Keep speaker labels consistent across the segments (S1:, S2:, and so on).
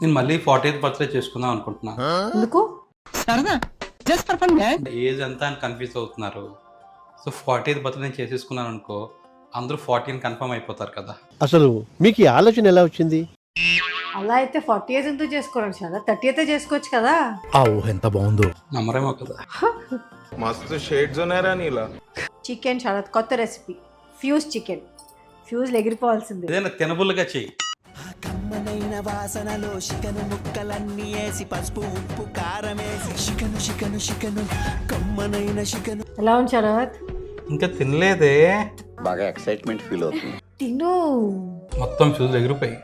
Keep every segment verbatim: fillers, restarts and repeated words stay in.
S1: నేను మళ్ళీ forty eighth birthday చేసుకుందాం అనుకుంటున్నా.
S2: ఎందుకు?
S3: సరదా just for fun man.
S1: Age ఎంత అని కన్ఫ్యూజ్ అవుతున్నారు. సో ఫార్టీ ఎయిత్ బర్త్డే నేను చేసేసుకున్నాను అనుకో, అందరూ ఫార్టీన్ కన్ఫర్మ్ అయిపోతారు కదా.
S4: అసలు మీకు ఈ ఆలోచన ఎలా వచ్చింది?
S2: అలా అయితే ఫార్టీ ఇయర్స్ ఎంతో చేసుకోవాలి చాలా, థర్టీ అయితే చేసుకోవచ్చు కదా.
S5: ఆ ఊహ ఎంత బాగుందో.
S1: నమ్మరేమో కదా.
S6: మస్తు షేడ్స్ ఉన్నాయరా నీలా.
S2: చికెన్ చాలా కొత్త రెసిపీ, ఫ్యూజ్ చికెన్. ఫ్యూజ్ ఎగిరిపోవాల్సిందే.
S1: ఏదైనా తినబుల్గా చెయ్యి.
S7: కమ్మనైన వాసనలో చికెను ముక్కలన్నీ వేసి పసుపు ఉప్పు కారం వేసి చికెను చికెను చికెను కమ్మనైన చికెను.
S2: ఎలా ఉంది శరత్?
S1: ఇంకా తినలేదే.
S8: బాగా ఎక్సైట్మెంట్ ఫీల్ అవుతుంది.
S2: తిను.
S1: మొత్తం ఫ్యూజ్ ఎగిరిపోయి.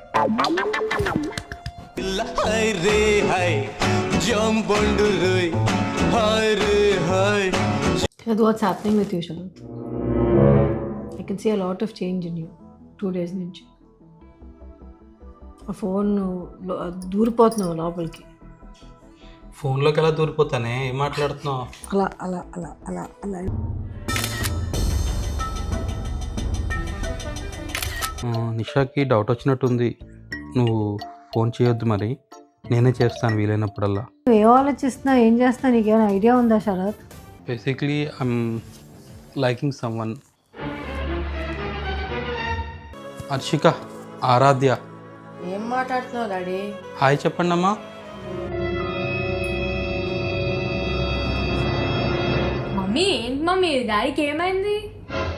S7: హై రే హై జంబొండు రోయ్ హై రే hi.
S2: Sharath, what's happening with you, Sharath? I can see a lot of change in you two days నుంచి. ఆ ఫోన్ దూరిపోతున్నావు లోపలికి.
S1: ఫోన్లోకి ఎలా దూరిపోతానే, ఏం మాట్లాడుతున్నావు?
S2: అలా అలా అలా అలా అలా.
S1: నిషాకి డౌట్ వచ్చినట్టుంది. నువ్వు ఫోన్ చేయొద్దు, మరి నేనే చేస్తాను వీలైనప్పుడల్లా.
S2: నువ్వు ఏం ఆలోచిస్తున్నావు, ఏం చేస్తున్నావు, నీకేమైనా ఐడియా ఉందా Sharath?
S1: Basically I'm liking someone. Harshika, Aaradhya.
S2: ఏం మాట్లాడుతున్నావు డాడీ?
S1: హాయ్ చెప్పండి అమ్మా.
S9: మమ్మీ ఏంటి మమ్మీ, డాడీకి ఏమైంది?